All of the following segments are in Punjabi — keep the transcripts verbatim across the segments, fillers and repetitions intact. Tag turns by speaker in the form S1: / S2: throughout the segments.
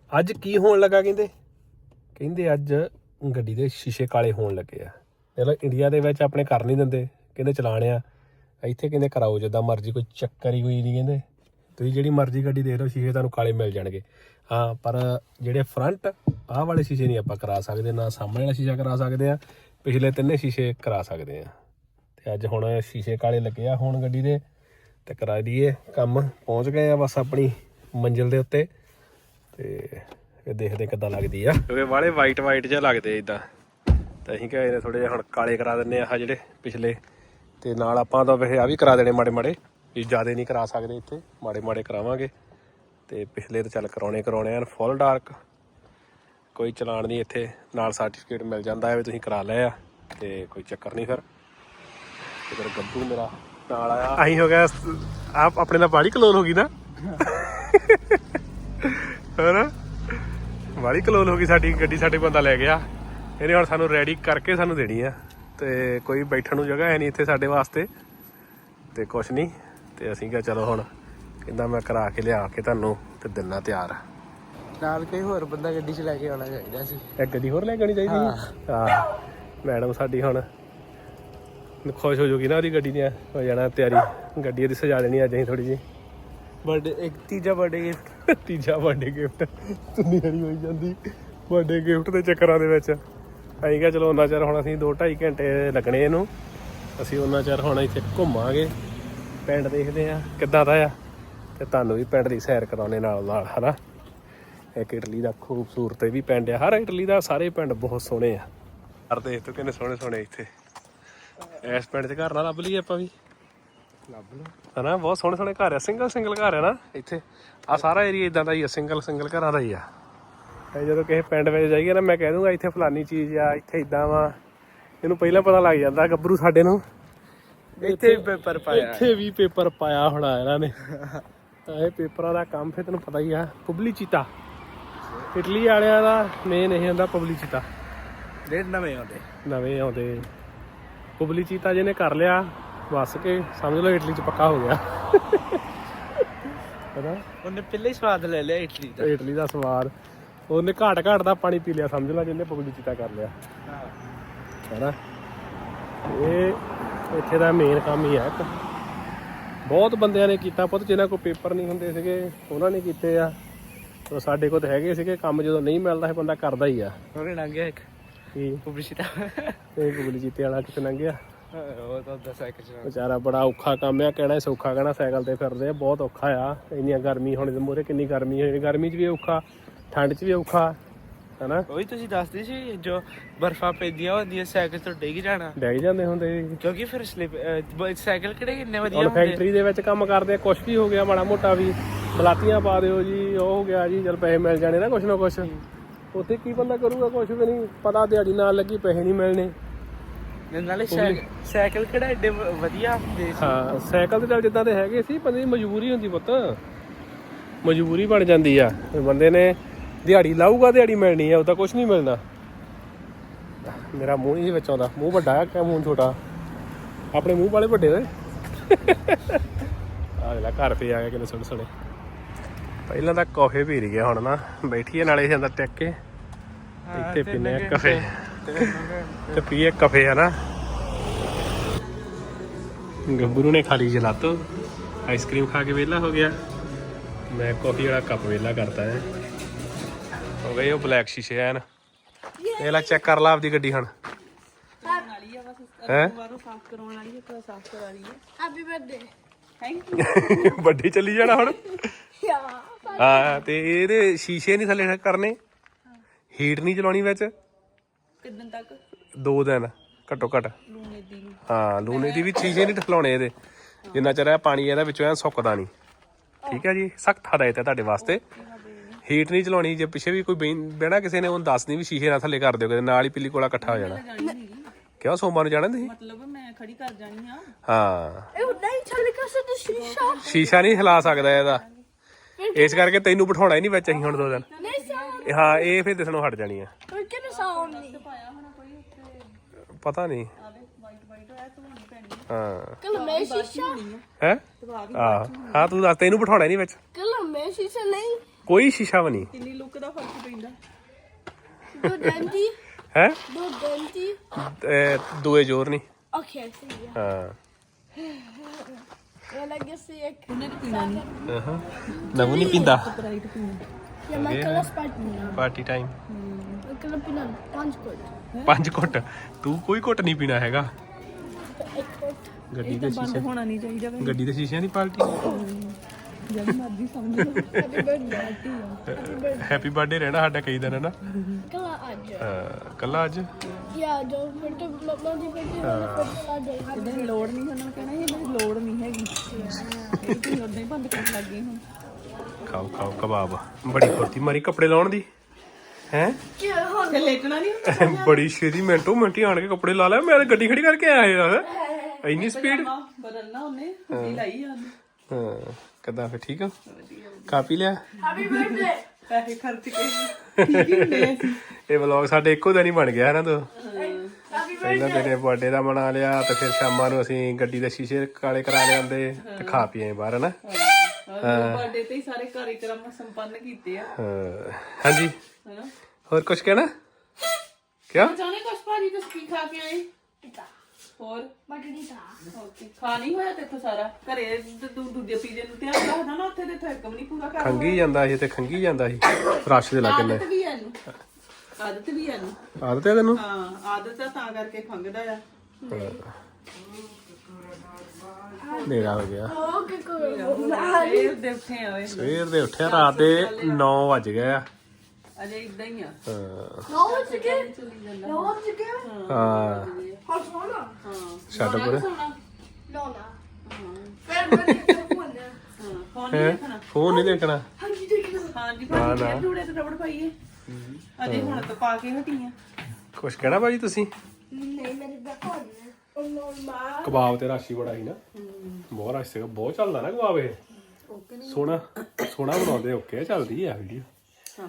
S1: ਅੱਜ ਕੀ ਹੋਣ ਲੱਗਾ ਕਹਿੰਦੇ ਕਹਿੰਦੇ ਅੱਜ ਗੱਡੀ ਦੇ ਸ਼ੀਸ਼ੇ ਕਾਲੇ ਹੋਣ ਲੱਗੇ ਆ। ਚਲੋ ਇੰਡੀਆ ਦੇ ਵਿੱਚ ਆਪਣੇ ਕਰ ਨਹੀਂ ਦਿੰਦੇ, ਕਹਿੰਦੇ ਚਲਾਣ ਆ। ਇੱਥੇ ਕਹਿੰਦੇ ਕਰਾਓ ਜਿੱਦਾਂ ਮਰਜ਼ੀ, ਕੋਈ ਚੱਕਰ ਹੀ ਕੋਈ ਨਹੀਂ। ਕਹਿੰਦੇ ਤੁਸੀਂ ਜਿਹੜੀ ਮਰਜ਼ੀ ਗੱਡੀ ਦੇਖ ਲਓ ਸ਼ੀਸ਼ੇ ਤੁਹਾਨੂੰ ਕਾਲੇ ਮਿਲ ਜਾਣਗੇ। ਹਾਂ, ਪਰ ਜਿਹੜੇ ਫਰੰਟ ਆਹ ਵਾਲੇ ਸ਼ੀਸ਼ੇ ਨਹੀਂ ਆਪਾਂ ਕਰਾ ਸਕਦੇ, ਨਾ ਸਾਹਮਣੇ ਵਾਲਾ ਸ਼ੀਸ਼ਾ ਕਰਾ ਸਕਦੇ ਆ, ਪਿਛਲੇ ਤਿੰਨੇ ਸ਼ੀਸ਼ੇ ਕਰਾ ਸਕਦੇ ਆ। ਤੇ ਅੱਜ ਹੁਣ ਸ਼ੀਸ਼ੇ ਕਾਲੇ ਲੱਗੇ ਆ ਹੁਣ ਗੱਡੀ ਦੇ, ਤੇ ਕਰਾ ਦਈਏ ਕੰਮ। ਪਹੁੰਚ ਗਏ ਆ ਬਸ ਆਪਣੀ ਮੰਜ਼ਿਲ ਦੇ ਉੱਤੇ, ਤੇ ਇਹ ਦੇਖਦੇ ਕਿੱਦਾਂ ਲੱਗਦੀ ਆ, ਕਿਉਂਕਿ ਵਾਲੇ ਵਾਈਟ ਵਾਈਟ ਜਿਹਾ ਲੱਗਦੇ ਇੱਦਾਂ। ਤਾਂ ਅਸੀਂ ਕਹੇ ਨੇ ਥੋੜ੍ਹੇ ਜਿਹੇ ਹੁਣ ਕਾਲੇ ਕਰਾ ਦਿੰਦੇ ਆ ਆਹ ਜਿਹੜੇ ਪਿਛਲੇ, ਤੇ ਨਾਲ ਆਪਾਂ ਤਾਂ ਵੈਸੇ ਆ ਵੀ ਕਰਾ ਦੇਣੇ ਮਾੜੇ ਮਾੜੇ, ਵੀ ਜ਼ਿਆਦਾ ਨਹੀਂ ਕਰਾ ਸਕਦੇ, ਇੱਥੇ ਮਾੜੇ ਮਾੜੇ ਕਰਾਵਾਂਗੇ। ਤੇ ਪਿਛਲੇ ਤਾਂ ਚੱਲ ਕਰਾਉਣੇ ਕਰਾਉਣੇ ਆ ਫੁੱਲ ਡਾਰਕ, ਕੋਈ ਚਲਾਨ ਨਹੀਂ ਇੱਥੇ, ਨਾਲ ਸਰਟੀਫਿਕੇਟ ਮਿਲ ਜਾਂਦਾ ਹੈ ਵੀ ਤੁਸੀਂ ਕਰਾ ਲਏ ਆ, ਤੇ ਕੋਈ ਚੱਕਰ ਨਹੀਂ। ਫਿਰ ਫਿਰ ਗੱਭੂ ਮੇਰਾ ਨਾਲ ਆਇਆ, ਅਸੀਂ ਹੋ ਗਿਆ ਆਪ ਆਪਣੇ ਨਾਲ ਬਾਹਲੀ ਕਲੋਲ ਹੋ ਗਈ ਨਾ ਹੋਰ ਬਾਹਲੀ ਕਲੋਲ ਹੋ ਗਈ ਸਾਡੀ ਗੱਡੀ। ਸਾਡੇ ਬੰਦਾ ਲੈ ਗਿਆ, ਇਹਨੇ ਹੁਣ ਸਾਨੂੰ ਰੈਡੀ ਕਰਕੇ ਸਾਨੂੰ ਦੇਣੀ ਆ, ਤੇ ਕੋਈ ਬੈਠਣ ਨੂੰ ਜਗ੍ਹਾ ਹੈ ਨਹੀਂ ਇੱਥੇ ਸਾਡੇ ਵਾਸਤੇ, ਤੇ ਕੁਛ ਨਹੀਂ। ਤੇ ਅਸੀਂ ਕਿਹਾ ਚਲੋ ਹੁਣ ਕਹਿੰਦਾ ਮੈਂ ਕਰਾ ਕੇ ਲਿਆ ਕੇ ਤੁਹਾਨੂੰ ਤੇ ਦਿਨਾ ਤਿਆਰ।
S2: ਨਾਲ ਕੋਈ ਹੋਰ ਬੰਦਾ ਗੱਡੀ 'ਚ ਲੈ ਕੇ ਆਉਣਾ ਚਾਹੀਦਾ ਸੀ।
S1: ਇੱਕ ਗੱਡੀ ਹੋਰ ਲੈ ਕੇ ਆਉਣੀ ਚਾਹੀਦੀ। ਹਾਂ, ਮੈਡਮ ਸਾਡੀ ਹੁਣ ਖੁਸ਼ ਹੋ ਜਾਊਗੀ ਨਾ, ਉਹਦੀ ਗੱਡੀ ਨੇ ਹੋ ਜਾਣਾ ਤਿਆਰੀ, ਗੱਡੀ ਉਹਦੀ ਸਜਾ ਦੇਣੀ ਅੱਜ ਅਸੀਂ ਥੋੜ੍ਹੀ ਜਿਹੀ।
S2: ਬਰਥਡੇ ਇੱਕ ਤੀਜਾ ਬਰਥਡੇ ਗਿਫਟ
S1: ਤੀਜਾ ਬਰਥਡੇ ਗਿਫਟ ਤੁੰਨੀ ਹਰੀ ਹੋਈ ਜਾਂਦੀ ਬਰਥਡੇ ਗਿਫਟ ਦੇ ਚੱਕਰਾਂ ਦੇ ਵਿੱਚ। ਅਸੀਂ ਕਿਹਾ ਚਲੋ ਉਹਨਾਂ ਚਿਰ ਹੁਣ ਅਸੀਂ ਦੋ ਢਾਈ ਘੰਟੇ ਲੱਗਣੇ ਇਹਨੂੰ, ਅਸੀਂ ਉਹਨਾਂ ਚਿਰ ਹੁਣ ਇੱਥੇ ਘੁੰਮਾਂਗੇ, ਪਿੰਡ ਦੇਖਦੇ ਹਾਂ ਕਿੱਦਾਂ ਦਾ ਆ, ਤੇ ਤੁਹਾਨੂੰ ਵੀ ਪਿੰਡ ਦੀ ਸੈਰ ਕਰਾਉਣੇ ਨਾਲ ਨਾਲ, ਹੈ ਨਾ। ਇੱਕ ਇਟਲੀ ਦਾ ਖੂਬਸੂਰਤ ਵੀ ਪਿੰਡ ਆ, ਹਰ ਇਟਲੀ ਦਾ ਸਾਰੇ ਪਿੰਡ ਬਹੁਤ ਸੋਹਣੇ ਆ। ਹਰ ਦੇਖ ਤੋਂ ਕਿੰਨੇ ਸੋਹਣੇ ਸੋਹਣੇ ਇੱਥੇ ਇਸ ਪਿੰਡ 'ਚ ਘਰ ਨਾ ਲੱਭ ਲਈਏ ਆਪਾਂ ਵੀ,
S2: ਲੱਭ ਲਓ
S1: ਹੈ ਨਾ। ਬਹੁਤ ਸੋਹਣੇ ਸੋਹਣੇ ਘਰ ਆ, ਸਿੰਗਲ ਸਿੰਗਲ ਘਰ ਆ ਨਾ ਇੱਥੇ। ਆਹ ਸਾਰਾ ਏਰੀਆ ਇੱਦਾਂ ਦਾ ਹੀ ਆ, ਸਿੰਗਲ ਸਿੰਗਲ ਘਰਾਂ ਦਾ ਹੀ ਆ। ਤੇ ਜਦੋਂ ਕਿਸੇ ਪਿੰਡ ਵਿੱਚ ਜਾਈਏ ਨਾ, ਮੈਂ ਕਹਿ ਦੂੰਗਾ ਇੱਥੇ ਫਲਾਨੀ ਚੀਜ਼ ਆ, ਇੱਥੇ ਇੱਦਾਂ ਵਾ, ਇਹਨੂੰ ਪਹਿਲਾਂ ਪਤਾ ਲੱਗ ਜਾਂਦਾ ਗੱਭਰੂ ਸਾਡੇ ਨੂੰ।
S2: ਇੱਥੇ ਵੀ ਪੇਪਰ ਪਾਇਆ,
S1: ਇੱਥੇ ਵੀ ਪੇਪਰ ਪਾਇਆ ਹੋਣਾ ਇਹਨਾਂ ਨੇ। ਇਹ ਪੇਪਰਾਂ ਦਾ ਕੰਮ ਫਿਰ ਤੈਨੂੰ ਪਤਾ ਹੀ ਆ। ਪਬਲਿਚਿਟਾ ਇਟਲੀ ਵਾਲਿਆਂ ਦਾ ਮੇਨ ਇਹ ਹੁੰਦਾ, ਪਬਲਿਚਿਟਾ।
S2: ਡੇਢ ਨਵੇਂ ਆਉਂਦੇ
S1: ਨਵੇਂ ਆਉਂਦੇ ਪਬਲਿਚਿਟਾ ਜਿਹਨੇ ਕਰ ਲਿਆ ਬਸ ਕੇ ਸਮਝ ਲਓ ਇਟਲੀ 'ਚ ਪੱਕਾ ਹੋ ਗਿਆ, ਹੈ ਨਾ।
S2: ਉਹਨੇ ਪਹਿਲੇ ਹੀ ਸਵਾਦ ਲੈ ਲਿਆ ਇਟਲੀ ਦਾ।
S1: ਇਟਲੀ ਦਾ ਸਵਾਦ ਉਹਨੇ ਘਾਟ ਘਾਟ ਦਾ ਪਾਣੀ ਪੀ ਲਿਆ ਸਮਝ ਲਾ, ਜਿਹਨੇ ਪਬਲਿਚਿਟਾ ਕਰ ਲਿਆ, ਹੈ ਨਾ। ਇਹ ਇੱਥੇ ਦਾ ਮੇਨ ਕੰਮ ਹੀ ਹੈ। ਇੱਕ ਬਹੁਤ ਬੰਦਿਆਂ ਨੇ ਕੀਤਾ ਪੁੱਤ, ਜਿਹਨਾਂ ਕੋਲ ਪੇਪਰ ਨਹੀਂ ਹੁੰਦੇ ਸੀਗੇ ਉਹਨਾਂ ਨੇ ਕੀਤੇ ਆ। ਸਾਡੇ ਕੋਲ ਤਾਂ ਹੈਗੇ ਸੀਗੇ ਕੰਮ, ਜਦੋਂ ਨਹੀਂ ਮਿਲਦਾ ਇਹ ਬੰਦਾ ਕਰਦਾ ਹੀ ਆ।
S2: ਉਹਨੇ ਲੰਘਿਆ ਇੱਕ
S1: ਕੀ
S2: ਪਬਲਿਸਿਟੀ,
S1: ਇਹ ਪਬਲਿਚਿਟੇ ਵਾਲਾ ਕਿਤੇ ਲੰਘਿਆ
S2: ਉਹ ਤਾਂ ਦੱਸ ਸਾਈਕਲ ਚਲਾ
S1: ਵਿਚਾਰਾ। ਬੜਾ ਔਖਾ ਕੰਮ ਆ, ਕਹਿਣਾ ਸੌਖਾ ਕਹਿਣਾ, ਸਾਈਕਲ ਤੇ ਫਿਰਦੇ ਆ, ਬਹੁਤ ਔਖਾ ਆ। ਇੰਨੀਆਂ ਗਰਮੀ ਹੁਣ ਮੂਹਰੇ ਕਿੰਨੀ ਗਰਮੀ ਹੋਈ, ਗਰਮੀ 'ਚ ਵੀ ਔਖਾ, ਠੰਡ 'ਚ ਵੀ ਔਖਾ, ਹੈ ਨਾ।
S2: ਉਹੀ ਤੁਸੀਂ ਦੱਸਦੇ ਸੀ ਜੋ ਬਰਫਾਂ ਪੈਂਦੀਆਂ ਹੁੰਦੀਆਂ ਸਾਈਕਲ ਤੋਂ ਡਿੱਗ ਜਾਣਾ,
S1: ਡਿੱਗ ਜਾਂਦੇ ਹੁੰਦੇ,
S2: ਕਿਉਂਕਿ ਫਿਰ ਸਲਿਪ ਸਾਈਕਲ ਕਿਹੜੇ ਕਿੰਨੇ ਵਧੀਆ
S1: ਹੁਣ
S2: ਹੁੰਦੇ।
S1: ਫੈਕਟਰੀ ਦੇ ਵਿੱਚ ਕੰਮ ਕਰਦੇ, ਕੁਛ ਵੀ ਹੋ ਗਿਆ ਮਾੜਾ ਮੋਟਾ ਵੀ, ਬਲਾਤੀਆਂ ਪਾ ਦਿਓ ਜੀ, ਉਹ ਹੋ ਗਿਆ ਜੀ, ਚਲ ਪੈਸੇ ਮਿਲ ਜਾਣੇ ਨਾ ਕੁਛ ਨਾ ਕੁਛ। ਉੱਥੇ ਕੀ ਬੰਦਾ ਕਰੂਗਾ, ਕੁਛ ਵੀ ਨਹੀਂ ਪਤਾ, ਦਿਹਾੜੀ ਨਾਲ ਲੱਗੀ ਪੈਸੇ ਨਹੀਂ ਮਿਲਣੇ।
S2: ਨਾਲੇ ਸਾਈਕਲ ਕਿਹੜਾ ਐਡੇ ਵਧੀਆ ਹੁੰਦੇ ਸੀ।
S1: ਹਾਂ, ਸਾਈਕਲ ਤੇ ਚੱਲ ਜਿੱਦਾਂ ਦੇ ਹੈਗੇ ਸੀ, ਬੰਦੇ ਦੀ ਮਜਬੂਰੀ ਹੁੰਦੀ ਪੁੱਤ, ਮਜਬੂਰੀ ਬਣ ਜਾਂਦੀ ਆ। ਬੰਦੇ ਨੇ ਦਿਹਾੜੀ ਲਾਊਗਾ, ਦਿਹਾੜੀ ਮਿਲਣੀ ਆ, ਉਹਦਾ ਕੁਛ ਨਹੀਂ ਮਿਲਣਾ। ਮੇਰਾ ਮੂੰਹ ਨਹੀਂ ਵਿੱਚ ਆਉਂਦਾ, ਮੂੰਹ ਵੱਡਾ ਆ ਕਿ ਮੂੰਹ ਛੋਟਾ, ਆਪਣੇ ਮੂੰਹ ਵਾਲੇ ਵੱਡੇ ਹੋਏ। ਆ ਲੈ ਘਰ ਪੇ ਆ ਗਿਆ ਕਿੰਨੇ ਸੋਹਣੇ ਸੋਹਣੇ। ਪਹਿਲਾਂ ਤਾਂ ਕਾਫੇ ਪੀ ਰਹੀ ਆ, ਹੁਣ ਨਾ ਬੈਠੀਏ ਨਾਲੇ ਜਾਂਦਾ ਟਿਕ ਕੇ ਇੱਥੇ ਪੀਨੇ ਆ ਕਾਫੇ, ਤੇ ਪੀਏ ਕਾਫੇ, ਹੈ ਨਾ। ਗੱਭਰੂ ਨੇ ਖਾ ਲਈ ਜਲਾਤੋ, ਆਈਸਕ੍ਰੀਮ ਖਾ ਕੇ ਵਿਹਲਾ ਹੋ ਗਿਆ। ਮੈਂ ਕਾਫੀ ਵਾਲਾ ਕੱਪ ਵਿਹਲਾ ਕਰਤਾ ਹੈ, ਹੋ ਗਏ ਉਹ ਬਲੈਕ ਸ਼ੀਸ਼ੇ ਐਨ। ਇਹ ਲੈ ਚੈੱਕ ਕਰ ਲਾ ਆਪਦੀ ਗੱਡੀ ਹੁਣ, ਹੈ ਵੱਡੀ ਚੱਲੀ ਜਾਣਾ ਹੁਣ। ਹਾਂ, ਤੇ ਇਹਦੇ ਸ਼ੀਸ਼ੇ ਨਹੀਂ ਥੱਲੇ ਕਰਨੇ, ਹੀਟ ਨਹੀਂ ਚਲਾਉਣੀ ਵਿੱਚ।
S2: ਕਿੰਨੇ ਤੱਕ? ਦੋ
S1: ਦਿਨ ਘੱਟੋ ਘੱਟ। ਹਾਂ, ਲੂਣੇ ਦੀ ਵੀ ਸ਼ੀਸ਼ੇ ਨਹੀਂ ਠਲਾਉਣੇ ਇਹਦੇ, ਜਿੰਨਾ ਚਿਰ ਪਾਣੀ ਇਹਦਾ ਵਿੱਚੋਂ ਐ ਸੁੱਕਦਾ ਨਹੀਂ। ਠੀਕ ਹੈ ਜੀ, ਸਖਤ ਹਦਾਇਤ ਹੈ ਤੁਹਾਡੇ ਵਾਸਤੇ। ਹੀਟ ਨਹੀਂ ਚਲਾਉਣੀ, ਜੇ ਪਿੱਛੇ ਵੀ ਕੋਈ ਬਹਿਣਾ ਕਿਸੇ ਨੇ ਉਹਨੂੰ ਦੱਸ ਨਹੀਂ ਵੀ ਸ਼ੀਸ਼ੇ ਨਾ ਥੱਲੇ ਕਰ ਦਿਓ, ਕਿਤੇ ਨਾਲ ਹੀ ਪਿੱਲੀ ਕੋਲਾ ਇਕੱਠਾ ਹੋ ਜਾਣਾ। ਕਿਉਂ ਸੋਮਵਾਰ ਨੂੰ ਜਾਣਾ ਤੁਸੀਂ?
S3: ਮਤਲਬ ਮੈਂ ਖੜੀ ਕਰ ਜਾਣੀ ਆ।
S1: ਹਾਂ,
S4: ਇਹ ਨਹੀਂ ਥੱਲੇ ਕਰ ਸਕਦਾ ਸ਼ੀਸ਼ਾ,
S1: ਸ਼ੀਸ਼ਾ ਨਹੀਂ ਹਿਲਾ ਸਕਦਾ ਇਹਦਾ, ਇਸ ਕਰਕੇ ਤੈਨੂੰ ਬਿਠਾਉਣਾ ਹੀ ਨਹੀਂ ਵਿੱਚ ਅਸੀਂ ਹੁਣ ਦੋ ਦਿਨ।
S4: ਨਹੀਂ ਸਾਊਂਡ,
S1: ਹਾਂ, ਇਹ ਫਿਰ ਦਿਸਣੋਂ ਹਟ ਜਾਣੀ ਆ।
S4: ਪਰ ਕਿਵੇਂ ਸਾਊਂਡ ਨਹੀਂ
S3: ਪਾਇਆ ਹੋਣਾ ਕੋਈ ਉੱਥੇ,
S1: ਪਤਾ ਨਹੀਂ।
S3: ਆਵੇ ਵਾਈਟ ਵਾਈਟ ਹੋਇਆ ਤੂੰ ਨਹੀਂ ਪੈਣੀ
S1: ਹਾਂ,
S4: ਕੱਲ ਮੈਂ ਸ਼ੀਸ਼ਾ,
S1: ਹੈ। ਆਹ ਹਾਂ, ਤੂੰ ਦੱਸ, ਤੈਨੂੰ ਬਿਠਾਉਣਾ ਨਹੀਂ ਵਿੱਚ।
S4: ਕੱਲ ਮੈਂ ਸ਼ੀਸ਼ਾ ਨਹੀਂ।
S1: ਕੋਈ ਸ਼ੀਸ਼ਾ ਵੀ ਨਹੀਂ
S3: ਕਿੰਨੀ ਲੁੱਕ ਦਾ ਫਰਕ ਪੈਂਦਾ।
S4: Do empty.
S1: ਹੈ
S4: Do empty.
S1: ਦੋਏ ਜ਼ੋਰ ਨਹੀਂ
S4: Okay, I see. Yeah.
S1: ਹਾਂ
S4: Well, I guess I can.
S3: ਉਹਨੇ ਤਾਂ ਪੀਣਾ ਨਹੀਂ।
S1: ਹਾਂ ਨਵੂ ਨਹੀਂ ਪੀਂਦਾ
S3: ਸਪਰਾਈਟ ਪੀਣਾ।
S4: Yeah, my color spot me.
S1: Party time
S4: My color peanut. Punch good.
S1: ਪੰਜ ਘੁੱਟ ਤੂੰ ਕੋਈ ਘੁੱਟ ਨਹੀਂ ਪੀਣਾ ਹੈਗਾ
S4: Eight good.
S1: ਗੱਡੀ
S3: ਇਹ
S1: ਦੇ
S3: ਤਾਂ ਬੰਦ
S1: ਸ਼ੀਸ਼ੇ
S3: ਹੋਣਾ ਨਹੀਂ ਚਾਹੀਦਾ ਵੇ।
S1: ਗੱਡੀ ਦੇ ਸ਼ੀਸ਼ਿਆਂ ਦੀ ਪਾਰਟੀ
S3: ਜਦ ਮਰਜ਼ੀ ਸਮਝ ਲਓ।
S4: Happy birthday. Happy birthday.
S1: Happy birthday ਰਹਿਣਾ ਸਾਡਾ ਕਈ ਦਿਨ ਹੈ ਨਾ
S4: Color aja.
S1: ਹਾਂ, ਕੱਲਾ ਅੱਜ
S4: Yeah, don't forget to mama di birthday. Color aja.
S3: ਇਹਦੇ ਦੀ ਲੋੜ ਨਹੀਂ, ਉਹਨਾਂ ਨੂੰ ਕਹਿਣਾ ਸੀ ਇਹਦੀ ਲੋੜ ਨਹੀਂ ਹੈਗੀ। ਇਹ ਤੁਸੀਂ ਉਦਾਂ ਹੀ ਬੰਦ ਕਰਨ ਲੱਗ ਗਏ ਹੁਣ।
S1: ਖਾਓ ਖਾਓ ਕਬਾਬ ਬੜੀ ਫੁਰਤੀ ਮਾਰੀ ਕੱਪੜੇ ਲਾਉਣ ਦੀ ਹੈ
S3: ਤੇ ਲੇਟਣਾ ਨਹੀਂ।
S1: ਬੜੀ ਛੇਤੀ ਮਿੰਟੋ ਮਿੰਟੀ ਆਣ ਕੇ ਕੱਪੜੇ ਲਾ ਲਿਆ ਮੈਂ ਤਾਂ ਗੱਡੀ ਖੜੀ ਕਰਕੇ ਆਇਆ ਯਾਰ ਇੰਨੀ ਸਪੀਡ
S3: ਬਦਲਣਾ ਉਹਨੇ ਹੁੱਡੀ ਲਾਈ ਆ ਉਹਨੇ।
S1: ਹਾਂ ਕਿੱਦਾਂ ਫਿਰ ਠੀਕ ਆ ਖਾ ਪੀ ਲਿਆ
S4: Happy birthday.
S3: ਪੈਸੇ ਖਰਚ ਕੇ ਠੀਕ ਹੀ ਹੁੰਦੇ ਆ ਅਸੀਂ।
S1: ਇਹ ਵਲੌਗ ਸਾਡੇ ਇੱਕੋ ਦਿਨ ਹੀ ਬਣ ਗਿਆ ਹੈ ਨਾ ਤੋ ਪਹਿਲਾਂ ਤੇਰੇ ਬਰਥਡੇ ਦਾ ਮਨਾ ਲਿਆ ਤੇ ਫਿਰ ਸ਼ਾਮਾਂ ਨੂੰ ਅਸੀਂ ਗੱਡੀ ਦੇ ਸ਼ੀਸ਼ੇ ਕਾਲੇ ਕਰਾ ਲਿਆਂਦੇ ਤੇ ਖਾ ਪੀ ਆਏ ਬਾਹਰ ਹਨਾ
S3: ਬਰਥਡੇ ਤੇ ਹੀ ਸਾਰੇ ਕਾਰਜਕ੍ਰਮ ਸੰਪੰਨ ਕੀਤੇ ਆ
S1: ਹਾਂ ਹਾਂਜੀ
S3: ਹਨਾ।
S1: ਹੋਰ ਕੁਝ ਕਹਿਣਾ ਕਿਆ
S3: ਜਾਣੇ ਕੁਛ ਭਾਜੀ ਤੁਸੀਂ ਕੀ ਖਾ ਕੇ ਆਏ?
S4: Pita.
S3: ਹੋਰ
S4: Margarita.
S3: ਓਕੇ ਖਾ ਨਹੀਂ ਹੋਇਆ ਤੇ ਸਾਰਾ ਘਰੇ ਤੂੰ ਦੂਜੇ ਪੀਜੇ ਨੂੰ ਧਿਆਨ ਰੱਖਦਾ ਨਾ ਉੱਥੇ ਤੇ ਇੱਥੇ ਇੱਕ ਵੀ ਨਹੀਂ ਪੂਰਾ ਕਰ
S1: ਖੰਗੀ ਜਾਂਦਾ ਸੀ ਤੇ ਖੰਗੀ ਜਾਂਦਾ ਸੀ ਰਸ਼ ਦੇ ਲੱਗੇ ਨੇ
S3: ਆਦਤ ਵੀ ਹੈ ਇਹਨੂੰ ਆਦਤ ਵੀ ਹੈ ਇਹਨੂੰ
S1: ਆਦਤ ਹੈ ਤੈਨੂੰ
S3: ਹਾਂ ਆਦਤ ਆ ਤਾਂ ਕਰਕੇ ਖੰਗਦਾ ਆ।
S1: ਨੇਰਾ ਹੋ ਗਿਆ
S4: Oh, okay, cool.
S3: ਇਹ ਦੇ ਉੱਠੇ ਆ ਓਏ
S1: ਸਵੇਰ ਦੇ ਉੱਠਿਆ ਰਾਤ ਦੇ ਨੌ ਵੱਜ ਗਏ ਆ
S3: ਅਜੇ ਇਦਾਂ ਹੀ ਆ
S1: ਹਾਂ
S4: No one's again.
S3: ਚੱਲੀ ਜਾਂਦਾ।
S4: No one's again.
S1: ਹਾਂ
S4: How's Mona?
S3: ਹਾਂ
S1: ਛੱਡ ਪਰੇ
S3: ਸੋਣਾ
S4: No, no. Fair birthday to everyone.
S3: ਹਾਂ ਫੋਨ
S1: ਹੈਂ?
S3: ਨਹੀਂ ਦੇਖਣਾ।
S1: ਫੋਨ ਨਹੀਂ ਦੇਖਣਾ
S4: How did you take it?
S3: ਹਾਂਜੀ ਭਾਜੀ ਫੇਰ ਜੂੜੇ ਤੇ ਰਬੜ ਪਾਈਏ ਅਜੇ ਹੁਣ ਤਾਂ ਪਾ ਕੇ ਹਟੀ ਆ।
S1: ਕੁਛ ਕਹਿਣਾ ਭਾਜੀ ਤੁਸੀਂ
S4: Nee, met de balkon. Oh, normaal.
S1: ਕਬਾਬ ਤੇ ਰਾਸ਼ੀ ਬੜਾ ਸੀ ਨਾ ਬਹੁਤ ਰਸ਼ ਸੀਗਾ ਬਹੁਤ ਚੱਲਦਾ ਨਾ ਕਬਾਬ ਇਹ ਸੋਹਣਾ ਸੋਹਣਾ ਬਣਾਉਂਦੇ ਓਕੇ ਚੱਲਦੀ ਆ ਵੀਡੀਓ
S3: ਹਾਂ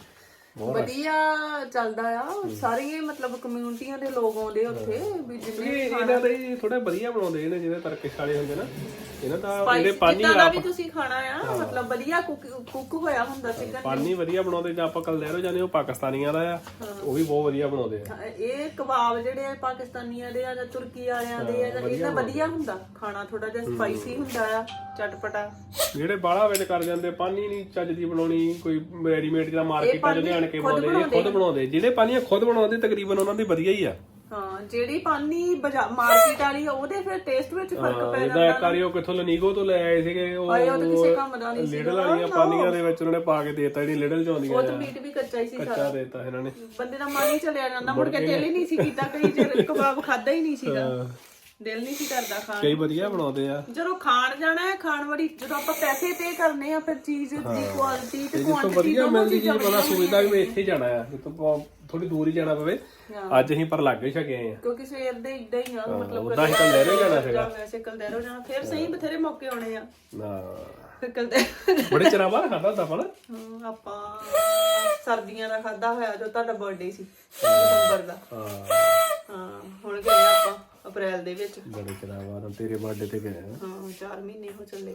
S1: ਬਹੁਤ
S3: ਵਧੀਆ ਚੱਲਦਾ ਆ ਸਾਰੀਆਂ ਮਤਲਬ ਕਮਿਊਨਿਟੀਆਂ ਦੇ ਲੋਕ ਆਉਂਦੇ ਉੱਥੇ ਵੀ ਜਿੰਨੇ
S1: ਇਹ ਇਹਨਾਂ ਦੇ ਥੋੜਾ ਵਧੀਆ ਬਣਾਉਂਦੇ ਨੇ ਜਿਹਦੇ ਤਰਕਿਸ਼ ਵਾਲੇ ਹੁੰਦੇ ਨਾ ਇਹਨਾਂ ਦਾ ਇਹਦੇ
S3: ਸਪਾਈਸੀ
S1: ਪਾਣੀ
S3: ਜਿੱਦਾਂ ਦਾ ਵੀ ਤੁਸੀਂ ਖਾਣਾ ਆ ਮਤਲਬ ਵਧੀਆ ਕੁੱਕ ਕੁੱਕ ਹੋਇਆ ਹੁੰਦਾ ਚਿਕਨ
S1: ਪਾਣੀ ਵਧੀਆ ਬਣਾਉਂਦੇ ਜਾਂ ਆਪਾਂ ਕਲਦੈਰੋ ਜਾਂਦੇ ਉਹ ਪਾਕਿਸਤਾਨੀਆਂ ਦਾ ਆ ਉਹ ਵੀ ਬਹੁਤ ਵਧੀਆ ਬਣਾਉਂਦੇ ਆ
S3: ਇਹ ਕਬਾਬ ਜਿਹੜੇ ਆ ਪਾਕਿਸਤਾਨੀਆਂ ਦੇ ਆ ਜਾਂ ਤੁਰਕੀ ਵਾਲਿਆਂ ਦੇ ਆ ਜਾਂ ਇਹਨਾਂ ਵਧੀਆ ਹੁੰਦਾ ਖਾਣਾ ਥੋੜਾ ਜਿਹਾ ਸਪਾਈਸੀ ਹੁੰਦਾ ਆ ਚਟਪਟਾ
S1: ਜਿਹੜੇ ਬਾਹਲਾ ਵਿੱਚ ਕਰ ਜਾਂਦੇ ਪਾਣੀ ਨਹੀਂ ਚੱਜ ਦੀ ਬਣਾਉਣੀ ਕੋਈ ਰੈਡੀਮੇਡ ਜਿਹੜਾ ਮਾਰਕੀਟਾਂ 'ਚ ਲਿਆਣ ਕੇ ਬਣਾਉਂਦੇ ਇਹ ਖੁਦ ਬਣਾਉਂਦੇ ਜਿਹੜੇ ਪਾਣੀ ਖੁਦ ਬਣਾਉਂਦੇ ਤਕਰੀਬਨ ਉਹਨਾਂ ਦੀ ਵਧੀਆ ਹੀ ਆ
S3: ਹਾਂ ਜਿਹੜੀ ਪਾਨੀ ਮਾਰਕੀਟ ਵਾਲੀ ਆ ਉਹਦੇ ਫਿਰ ਟੇਸਟ ਵਿੱਚ ਫਰਕ ਪੈ
S1: ਇਹਦਾ
S3: ਜਾਂਦਾ
S1: ਇੱਕ ਵਾਰੀ ਉਹ ਕਿੱਥੋਂ ਲਨੀਗੋ ਤੋਂ ਲੈ ਆਏ ਸੀਗੇ ਉਹ
S3: ਆਏ ਉਹ ਤਾਂ ਕਿਸੇ ਕੰਮ ਦਾ ਨਹੀਂ ਸੀ
S1: ਲਿਡਲ ਵਾਲੀਆਂ ਪਾਨੀਆਂ ਦੇ ਵਿੱਚ ਉਹਨਾਂ ਨੇ ਪਾ ਕੇ ਦੇਤਾ ਜਿਹੜੀ ਲਿਡਲ 'ਚ ਆਉਂਦੀਆਂ
S3: ਉਹ ਤਾਂ ਮੀਟ ਵੀ ਕੱਚਾ ਹੀ ਸੀ
S1: ਕੱਚਾ
S3: ਸਾਰਾ
S1: ਦੇਤਾ ਇਹਨਾਂ ਨੇ
S3: ਬੰਦੇ ਦਾ ਮਨ ਹੀ ਚਲਿਆ ਜਾਂਦਾ ਮੁੜ ਕੇ ਦਿਲ ਹੀ ਨਹੀਂ ਸੀ ਕੀਤਾ ਕਈ ਚਿਰ ਕਬਾਬ ਖਾਦਾ ਹੀ ਨਹੀਂ ਸੀਗਾ ਦਿਲ ਨਹੀਂ ਸੀ ਕਰਦਾ ਖਾਣ
S1: ਕਈ ਵਧੀਆ ਬਣਾਉਂਦੇ ਆ
S3: ਜਦੋਂ ਖਾਣ ਜਾਣਾ ਹੈ ਖਾਣ ਵਾਲੀ ਜਦੋਂ ਆਪਾਂ ਪੈਸੇ ਪੇ ਕਰਨੇ ਆ ਫਿਰ ਚੀਜ਼ ਦੀ ਕੁਆਲਿਟੀ ਤੇ
S1: ਜਿੱਥੋਂ
S3: ਕੁਆਂਟੀਟੀ
S1: ਵਧੀਆ ਮਿਲਦੀ ਚੀਜ਼ ਬੰਦਾ ਸੋਚਦਾ ਵੀ ਮੈਂ ਇੱਥੇ ਹੀ ਜਾਣਾ ਆ ਜਿੱਥੋਂ ਥੋੜੀ ਦੂਰ ਹੀ ਜਾਣਾ ਪਵੇ ਅੱਜ ਅਸੀਂ ਪਰ ਲੱਗ ਹੀ ਸਕੇ ਆ
S3: ਕਿਉਂਕਿ ਸਵੇਰ ਦੇ ਇਦਾਂ ਹੀ ਆ ਮਤਲਬ
S1: ਉਦਾਂ ਹੀ ਕਲਦੈਰੋ ਜਾਣਾ ਸੀਗਾ
S3: ਵੈਸੇ ਕਲਦੈਰੋ ਜਾਣਾ ਫਿਰ ਸਹੀ ਬਥੇਰੇ ਮੌਕੇ ਆਉਣੇ ਆ
S1: ਨਾ
S3: ਫਿਰ ਕਲਦੈਰੋ
S1: ਬੜੇ ਚਿਰਾਂ ਬਾਅਦ ਖਾਦਾ ਹੁੰਦਾ ਆਪਾਂ ਨਾ
S3: ਹਾਂ, ਆਪਾਂ ਸਰਦੀਆਂ ਦਾ ਖਾਦਾ ਹੋਇਆ ਜੋ ਤੁਹਾਡਾ ਬਰਥਡੇ ਸੀ ਦਸੰਬਰ ਦਾ
S1: ਹਾਂ
S3: ਹਾਂ ਹੁਣ ਗਏ ਆਪਾਂ ਅਪ੍ਰੈਲ ਦੇ ਵਿੱਚ
S1: ਬੜੇ ਚਿਰਾਂ ਬਾਅਦ ਤੇਰੇ ਬਰਥਡੇ ਤੇ ਗਏ ਆ
S3: ਹਾਂ ਚਾਰ ਮਹੀਨੇ ਹੋ ਚੱਲੇ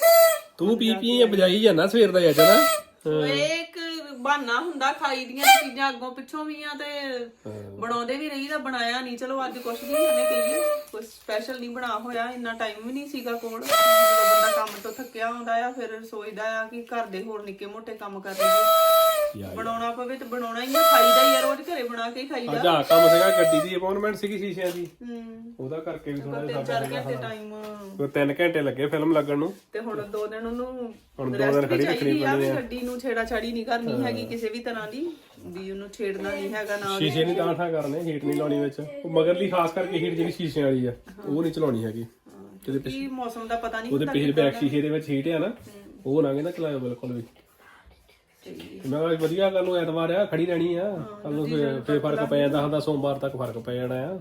S1: ਤੂੰ ਪੀ ਪੀ ਬਜਾਈ ਜਾਂਦਾ ਸਵੇਰ ਦਾ ਅੱਜ ਨਾ
S3: ਇਹ ਇੱਕ ਬਹਾਨਾ ਹੁੰਦਾ ਖਾਈ ਦੀਆਂ ਚੀਜ਼ਾਂ ਅੱਗੋਂ ਪਿੱਛੋਂ ਵੀ ਆ ਤੇ ਬਣਾਉਂਦੇ ਵੀ ਰਹੀਦਾ ਬਣਾਇਆ ਨਹੀਂ ਚਲੋ ਅੱਜ ਕੁਛ ਨਹੀਂ ਹਨੇ ਕਹੀਏ ਕੁਝ ਸਪੈਸ਼ਲ ਨਹੀਂ ਬਣਾ ਹੋਇਆ ਇੰਨਾ ਟਾਈਮ ਵੀ ਨਹੀਂ ਸੀਗਾ ਕੋਲ ਜਦੋਂ ਬੰਦਾ ਕੰਮ ਤੋਂ ਥੱਕਿਆ ਆਉਂਦਾ ਆ ਫਿਰ ਸੋਚਦਾ ਆ ਕਿ ਘਰ ਦੇ ਹੋਰ ਨਿੱਕੇ ਮੋਟੇ ਕੰਮ ਕਰ ਲਈਏ ਬਣਾਉਣਾ ਪਵੇ ਤੇ ਬਣਾਉਣਾ ਹੀ ਆ ਖਾਈਦਾ ਹੀ ਆ ਰੋਜ਼ ਘਰੇ ਬਣਾ ਕੇ ਖਾਈਦਾ
S1: ਅੱਜ ਆ ਕੰਮ ਸੀਗਾ ਗੱਡੀ ਦੀ ਅਪਾਇੰਟਮੈਂਟ ਸੀਗੀ ਸ਼ੀਸ਼ਿਆਂ ਦੀ
S3: ਹੂੰ
S1: ਉਹਦਾ ਕਰਕੇ ਵੀ ਥੋੜਾ
S3: ਤਿੰਨ ਚਾਰ ਘੰਟੇ ਟਾਈਮ
S1: ਕੋਈ ਤਿੰਨ ਘੰਟੇ ਲੱਗੇ ਫਿਲਮ ਲੱਗਣ ਨੂੰ
S3: ਤੇ ਹੁਣ ਦੋ ਦਿਨ ਉਹਨੂੰ
S1: ਹੁਣ ਦੋ
S3: ਰੈਸਟ
S1: ਦਿਨ
S3: ਵੀ
S1: ਖੜੀ
S3: ਚਾਹੀਦੀ ਆ ਵੀ ਗੱਡੀ ਨੂੰ ਛੇੜਾ ਛਾੜੀ ਨਹੀਂ ਕਰਨੀ ਹੈਗੀ ਕਿਸੇ ਵੀ ਤਰ੍ਹਾਂ ਦੀ ਵੀ ਉਹਨੂੰ ਛੇੜਨਾ ਨਹੀਂ ਹੈਗਾ ਨਾ
S1: ਸ਼ੀਸ਼ੇ ਨਹੀਂ ਤਾਂ ਠਾ ਕਰਨੇ ਹੀਟ ਨਹੀਂ ਲਾਉਣੀ ਵਿੱਚ ਉਹ ਮਗਰਲੀ ਖਾਸ ਕਰਕੇ ਹੀਟ ਜਿਹੜੀ ਸ਼ੀਸ਼ੇ ਵਾਲੀ ਆ ਉਹ ਨਹੀਂ ਚਲਾਉਣੀ ਹੈਗੀ ਕਿਤੇ
S3: ਕੀ ਮੌਸਮ ਦਾ ਪਤਾ ਨਹੀਂ
S1: ਉਹਦੇ ਪਿਛਲੇ ਬੈਕ ਸ਼ੀਸ਼ੇ ਦੇ ਵਿੱਚ ਹੀਟ ਆ ਨਾ ਉਹ ਨਾ ਕਹਿੰਦਾ ਚਲਾਇਓ ਬਿਲਕੁਲ ਵੀ ਮੈਂ ਕਿਹਾ ਵਧੀਆ ਕੱਲ ਨੂੰ ਐਤਵਾਰ ਆ ਖੜੀ ਰਹਿਣੀ ਆ ਕੱਲ ਨੂੰ ਫੇਰ ਫਰਕ ਪੈ ਜਾਂਦਾ ਹੁੰਦਾ ਸੋਮਵਾਰ ਤੱਕ ਫਰਕ ਪੈ ਜਾਣਾ ਆ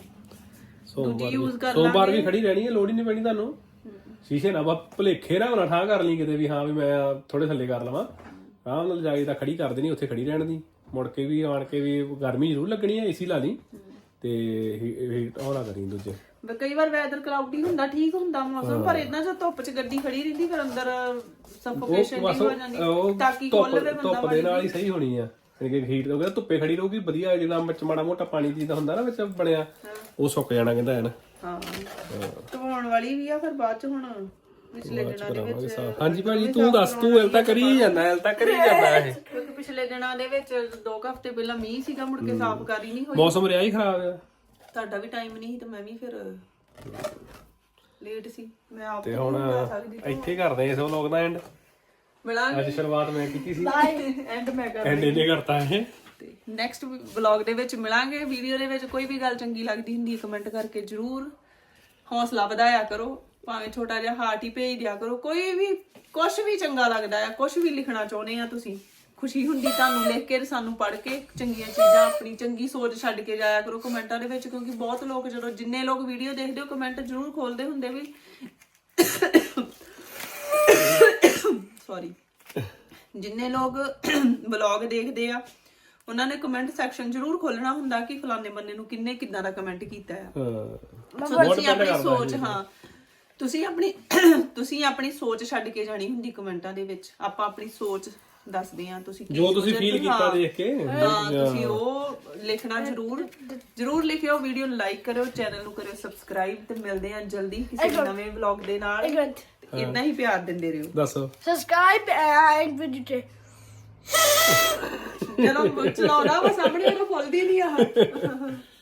S1: ਸੋਮਵਾਰ ਸੋਮਵਾਰ ਵੀ ਖੜੀ ਰਹਿਣੀ ਆ ਲੋੜ ਹੀ ਨਹੀਂ ਪੈਣੀ ਤੁਹਾਨੂੰ ਸ਼ੀਸ਼ੇ ਨਾ ਬਾ ਭੁਲੇਖੇ ਨਾ ਹੋਣਾ ਠਾਂ ਕਰ ਲਈ ਕਿਤੇ ਵੀ ਹਾਂ ਵੀ ਮੈਂ ਥੋੜੇ ਥੱਲੇ ਕਰ ਲਵਾਂ ਆਰਾਮ ਨਾਲ ਜਾਈ ਤਾਂ ਖੜੀ ਕਰ ਦੇਣੀ ਉੱਥੇ ਖੜੀ ਰਹਿਣ ਦੀ ਮੁੜ ਕੇ ਵੀ ਆਣ ਕੇ ਵੀ ਗਰਮੀ ਜ਼ਰੂਰ ਲੱਗਣੀ ਆ ਏਸੀ ਲਾ ਲਈ ਤੇ ਹੀਟ ਹੋਣਾ ਕਰੀ ਦੂਜੇ
S3: ਵੀ ਕਈ ਵਾਰ ਵੈਦਰ ਕਲਾਉਡੀ ਹੁੰਦਾ, ਠੀਕ ਹੁੰਦਾ ਮੌਸਮ, ਪਰ ਇਦਾਂ ਜੇ ਧੁੱਪ 'ਚ ਗੱਡੀ ਖੜੀ ਰਹਿੰਦੀ ਫਿਰ ਅੰਦਰ ਸਫੋਕੇਸ਼ਨ
S1: ਬਸ
S3: ਹੋ ਜਾਂਦੀ,
S1: ਉਹ
S3: ਤਾਕੀ
S1: ਧੁੱਪ
S3: ਖੋਲ ਲਵੇ ਬੰਦਾ
S1: ਧੁੱਪ ਦੇ ਨਾਲ ਹੀ ਸਹੀ ਹੋਣੀ ਆ ਕਿ ਹੀਟ ਹੋ ਗਿਆ ਧੁੱਪੇ ਖੜੀ ਰਹੂਗੀ ਵਧੀਆ, ਜਿਹੜਾ ਵਿੱਚ ਮਾੜਾ ਮੋਟਾ ਪਾਣੀ ਦੀ ਦਾ ਹੁੰਦਾ ਨਾ ਵਿੱਚ ਬਣਿਆ ਉਹ ਸੁੱਕ ਜਾਣਾ ਕਹਿੰਦਾ ਹੈ ਨਾ।
S3: ਹਾਂ ਧਵਾਉਣ ਵਾਲੀ ਵੀ ਆ ਫਿਰ ਬਾਅਦ 'ਚ ਹੁਣ ਪਿਛਲੇ ਦਿਨਾਂ ਦੇ ਵਿੱਚ।
S1: ਹਾਂਜੀ ਭਾਜੀ ਤੂੰ ਦੱਸ, ਤੂੰ ਐਲ ਤਾਂ ਕਰੀ ਜਾਂਦਾ ਐਲ ਤਾਂ ਕਰੀ ਜਾਂਦਾ ਇਹ
S3: ਕਿਉਂਕਿ ਪਿਛਲੇ ਦਿਨਾਂ ਦੇ ਵਿੱਚ ਦੋ ਕੁ ਹਫ਼ਤੇ ਪਹਿਲਾਂ ਮੀਂਹ ਸੀਗਾ, ਮੁੜ ਕੇ ਸਾਫ਼ ਕਰ ਹੀ ਨਹੀਂ ਹੋਈ।
S1: ਮੌਸਮ ਰਿਹਾ ਹੀ ਖਰਾਬ ਆ,
S3: ਤੁਹਾਡਾ ਵੀ ਟਾਈਮ ਨਹੀਂ ਤੇ ਮੈਂ ਵੀ ਫਿਰ ਲੇਟ ਸੀ, ਮੈਂ ਆਪ
S1: ਤੇ ਹੁਣ ਇੱਥੇ ਕਰਦੇ ਇਸ ਵਲੋਗ ਦਾ ਐਂਡ।
S3: ਮਿਲਾਂਗੇ
S1: ਅੱਜ ਸ਼ੁਰੂਆਤ ਮੈਂ ਕੀਤੀ ਸੀ
S3: ਐਂਡ ਮੈਂ ਕਰ
S1: ਐਂਡ ਇਹਨੇ ਕਰਤਾ ਇਹ।
S3: ਤੇ ਨੈਕਸਟ ਵਲੌਗ ਦੇ ਵਿੱਚ ਮਿਲਾਂਗੇ। ਵੀਡੀਓ ਦੇ ਵਿੱਚ ਕੋਈ ਵੀ ਗੱਲ ਚੰਗੀ ਲੱਗਦੀ ਹੁੰਦੀ ਹੈ ਕਮੈਂਟ ਕਰਕੇ ਜਰੂਰ ਹੌਸਲਾ ਵਧਾਇਆ ਕਰੋ, ਭਾਵੇਂ ਛੋਟਾ ਜਿਹਾ ਹਾਰਟ ਹੀ ਭੇਜ ਦਿਆ ਕਰੋ। ਕੋਈ ਵੀ ਕੁਝ ਵੀ ਚੰਗਾ ਲੱਗਦਾ ਆ, ਕੁਝ ਵੀ ਲਿਖਣਾ ਚਾਹੁੰਦੇ ਆ ਤੁਸੀਂ, ਖੁਸ਼ੀ ਹੁੰਦੀ ਤੁਹਾਨੂੰ ਲਿਖ ਕੇ, ਸਾਨੂੰ ਪੜ੍ਹ ਕੇ ਚੰਗੀਆਂ ਚੀਜ਼ਾਂ, ਆਪਣੀ ਚੰਗੀ ਸੋਚ ਛੱਡ ਕੇ ਜਾਇਆ ਕਰੋ ਕਮੈਂਟਾਂ ਦੇ ਵਿੱਚ, ਕਿਉਂਕਿ ਬਹੁਤ ਲੋਕ ਜਦੋਂ ਜਿੰਨੇ ਲੋਕ ਵੀਡੀਓ ਦੇਖਦੇ ਹੋ ਕਮੈਂਟ ਜ਼ਰੂਰ ਖੋਲਦੇ ਹੁੰਦੇ ਵੀ ਸੌਰੀ ਜਿੰਨੇ ਲੋਕ ਵਲੌਗ ਦੇਖਦੇ ਆ ਉਹਨਾਂ ਨੇ ਕਮੈਂਟ ਸੈਕਸ਼ਨ ਜ਼ਰੂਰ ਖੋਲਣਾ ਹੁੰਦਾ ਕਿ ਫਲਾਣੇ ਬੰਦੇ ਨੂੰ ਕਿੰਨੇ ਕਿੱਦਾਂ ਦਾ ਕਮੈਂਟ ਕੀਤਾ ਆ।
S1: ਹਾਂ
S3: ਸੋ ਤੁਸੀਂ ਆਪਣੀ ਸੋਚ, ਹਾਂ ਤੁਸੀਂ ਆਪਣੀ ਤੁਸੀਂ ਆਪਣੀ ਸੋਚ ਛੱਡ ਕੇ ਜਾਣੀ ਹੁੰਦੀ ਕਮੈਂਟਾਂ ਦੇ ਵਿੱਚ। ਆਪਾਂ ਆਪਣੀ ਸੋਚ ਦੱਸਦੇ ਆ, ਤੁਸੀਂ
S1: ਜੋ ਤੁਸੀਂ ਫੀਲ ਕੀਤਾ ਦੇਖ ਕੇ
S3: ਹਾਂ ਤੁਸੀਂ ਉਹ ਲਿਖਣਾ ਜ਼ਰੂਰ ਜ਼ਰੂਰ ਲਿਖਿਓ। ਵੀਡੀਓ ਨੂੰ ਲਾਈਕ ਕਰਿਓ, ਚੈਨਲ ਨੂੰ ਕਰਿਓ ਸਬਸਕ੍ਰਾਈਬ, ਤੇ ਮਿਲਦੇ ਆ ਜਲਦੀ ਕਿਸੇ ਨਵੇਂ ਵਲੌਗ ਦੇ ਨਾਲ। ਇੰਨਾ ਹੀ ਪਿਆਰ ਦਿੰਦੇ ਰਹੋ।
S1: ਦੱਸੋ
S4: Subscribe and video.
S3: ਚਲੋ ਚਲਾਉਣਾ ਵਾ ਸਾਹਮਣੇ, ਉਹ ਖੁੱਲਦੀ ਨਹੀਂ ਆ।